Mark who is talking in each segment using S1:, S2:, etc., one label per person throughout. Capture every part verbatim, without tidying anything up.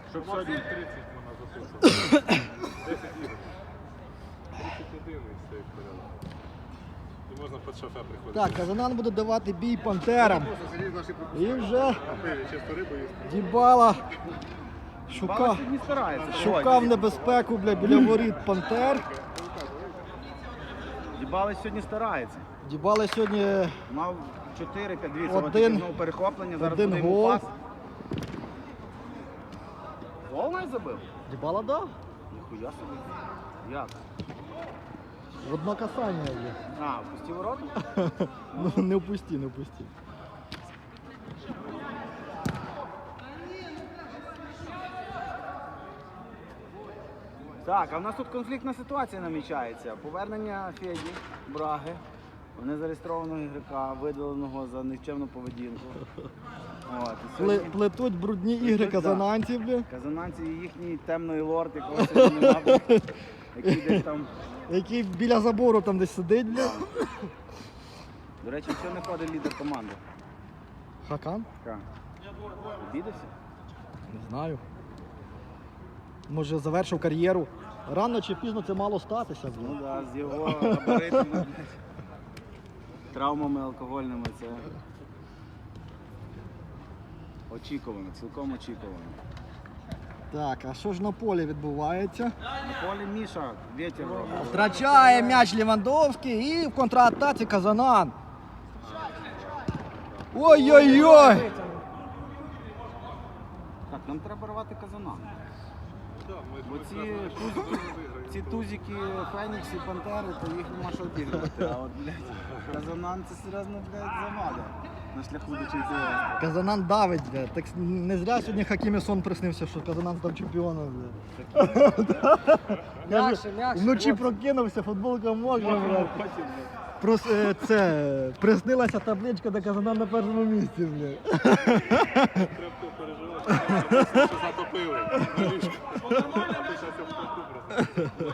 S1: Щоб сьогодні тридцять можна записувати. десять ігор. тридцять один і все як порядок. І можна під шофе приходити.
S2: Так, Казанан буде давати бій пантерам. І вже
S1: Чисто рибу їсти.
S2: Дібала шукав,
S3: сьогодні старається.
S2: шукав небезпеку, бля, біля воріт пантер.
S3: Дібали сьогодні старається.
S2: Дібала сьогодні
S3: Мав чотири-п'ять, дивіться,
S2: Один-
S3: от тільки знову перехоплення, зараз
S2: один
S3: буде йому
S2: гол.
S3: пас. Гол навіть забив?
S2: Дібала дав.
S3: Ніхуя собі. Як?
S2: В одно касання є.
S3: А, пусті ворота?
S2: Ну не впусти, не впусти.
S3: Так, а в нас тут конфліктна ситуація намічається. Повернення Феді, Браги, незареєстрованого ігрока, видаленого за нікчемну поведінку. От, і
S2: Пле-
S3: сьогодні
S2: Плетуть брудні ігри
S3: Плетуть, да.
S2: казананців, бля,
S3: казананці і їхній темний лорд, якого сьогодні нема, який десь там.
S2: який біля забору там десь сидить, бля.
S3: До речі, що не ходить лідер команди?
S2: Хакан?
S3: Така. Обідався?
S2: Не знаю. Може завершив кар'єру. Рано чи пізно це мало статися, бля.
S3: Ну так, да, з його габаритами, блядь, травмами алкогольними, це очікувано, цілком очікувано.
S2: Так, а що ж на полі відбувається?
S3: На полі Міша, вітер робить.
S2: Втрачає м'яч Лівандовський і в контратаці Казанан. Ой-ой-ой!
S3: Так, нам треба рвати Казанан.
S1: Да, ми
S3: Бо
S1: ми
S3: ці,
S1: зразу
S3: туз-
S1: виграємо.
S3: ці тузики, Фенікс і Пантери, то їх нема що обігрувати. А от, блядь, Казанан це серйозно, блядь, завада на шляху до чемпіонства.
S2: Казанан давить, бля. Так не зря сьогодні Хакімі сон приснився, що Казанан став чемпіоном, бля.
S4: М'якше, м'якше.
S2: Вночі прокинувся, футболка мокра, бля. Прос, е, це, приснилася табличка, де Казанан на першому місці, бля.
S1: Треба переживати, що затопили на ліжку. А ти щас я впусту просто.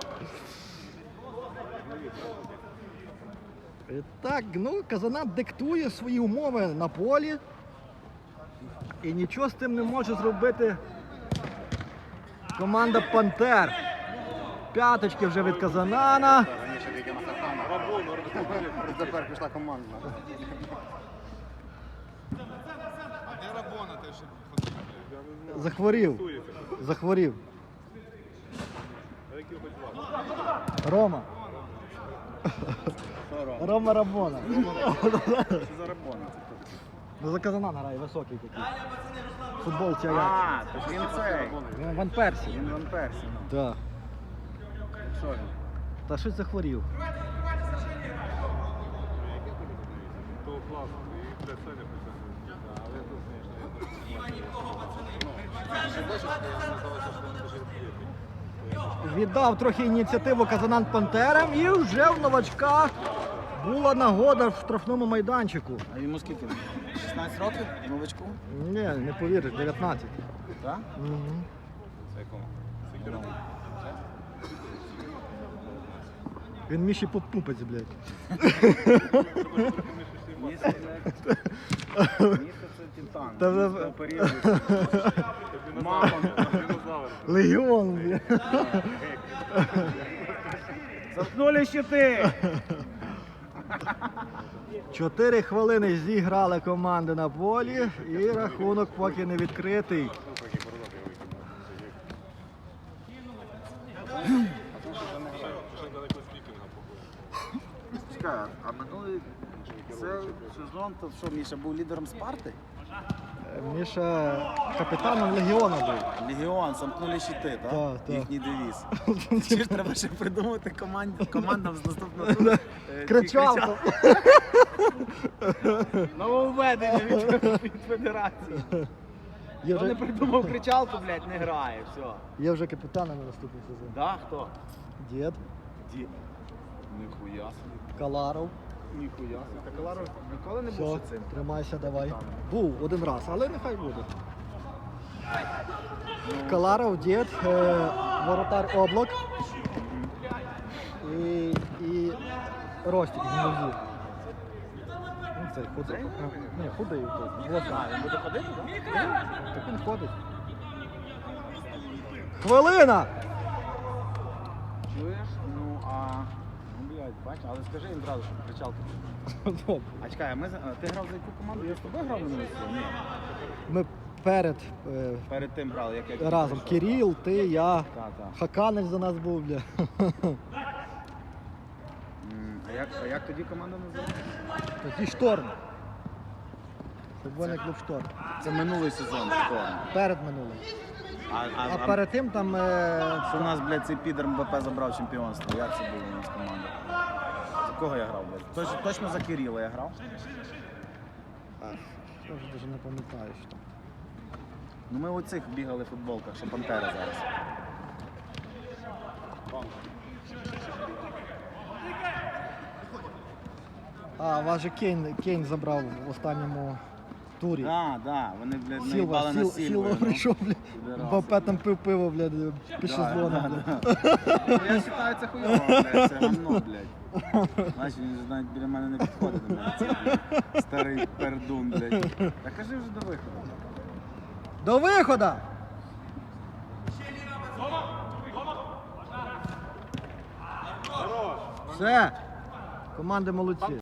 S2: І так, ну, Казанан диктує свої умови на полі. І нічого з тим не може зробити команда Пантер. П'яточки вже від Казанана.
S5: Раніше тільки на Хакана. Тепер пішла команда.
S2: Захворів. Захворів.
S1: А які хоч вас?
S2: Рома.
S3: Що робить?
S2: Рома Рабона.
S3: Що за рабона?
S2: Ну за Казанан грає, високий такий. Футболці Аякс.
S3: А, то ж він цей.
S2: Він Ван Персі.
S3: Він Ван Персі. ну.
S2: Так.
S3: Що він?
S2: Та щось захворів.
S1: Того класу. І для Саня притягнув. Але тут, звісно, я дуже
S2: Віддав трохи ініціативу Казанан Пантерам і вже в новачка була нагода в штрафному майданчику.
S3: А йому скільки? шістнадцять років? Новичку?
S2: Ні, не повіриш, дев'ятнадцять.
S3: Так?
S2: Угу.
S3: Це якому?
S2: Він Міші попупець, блядь.
S3: Місце, блядь. Місце це титан.
S2: Та ви-
S3: Місце періоду. Мама.
S1: Динозавр.
S2: Легіон, блядь.
S3: Заткнули щити!
S2: Чотири хвилини зіграли команди на полі і рахунок поки не відкритий.
S1: Ще далеко з вікінга походу.
S3: Чекай, а минулий це сезон, то що, Міша був лідером Спарти?
S2: Міша капітаном Легіона був.
S3: Легіон, замкнули щити, так?
S2: Так, так.
S3: Їхній девіз. Чи ж треба ще придумати команд- командам з наступного туру? е, ті
S2: Кричалко.
S3: Нововведення від, від федерації.
S2: Є
S3: Хто не
S2: вже,
S3: придумав кричалку, блядь, не грає, все.
S2: є вже капітаном на наступний сезон.
S3: Да, хто?
S2: Дід,
S3: Ді. Ніхуя собі.
S2: Каларов.
S3: Ніхуя собі. Та Каларов ніколи не був
S2: Все,
S3: ще цим.
S2: тримайся, давай. Був один раз, але нехай буде. Каларов, дід, е, воротар Облак і, і Ростик з Музі. Ну, цей худий. Ні, худий. той, Возний.
S3: А, він буде ходити, так?
S2: Так він ходить. Хвилина!
S3: Чуєш? Ну, а... Ну, блядь, бач, але скажи їм зразу, щоб кричалки.
S2: Добре.
S3: А чекай, а ми, за- а ти грав за яку команду? Я з тобою грав на минулому сезоні? Ні.
S2: Ми перед е,
S3: Перед тим грали, як я
S2: разом.
S3: прийшов.
S2: Кирил, ти, я,
S3: Так, так.
S2: Хаканець за нас був, бля.
S3: М, А як, а як тоді команда називається?
S2: Тоді шторм. Футбольний клуб шторм.
S3: Це минулий сезон, шторм.
S2: Перед минулим.
S3: А, а,
S2: А
S3: а,
S2: перед тим там е,
S3: що у нас, блядь, цей підер МБП забрав чемпіонство? Як це було у нас команда? За кого я грав, блядь? Точно, точно за Кирила я грав?
S2: я вже навіть не пам'ятаю, що там.
S3: Ну ми у цих бігали в футболках, що Пантера зараз.
S2: А, вас же Кейн, Кейн забрав в останньому турі.
S3: Так, так, вони, блядь,
S2: Сілва,
S3: наїбали на
S2: Сіл,
S3: Сільвою.
S2: Сілва
S3: ну.
S2: прийшов, блядь.
S3: Підарас.
S2: Мбаппе там пив пиво, блядь, під
S3: Да,
S2: шезлоном,
S3: да,
S2: блядь.
S3: да. Ну, я вважаю, це хуйово, блядь, це гамно, блядь. Значить, він ж навіть біля мене не підходить до мене, цей, блядь, старий пердун, блядь. Та кажи вже до виходу.
S2: До виходу! Все. Команди молодці.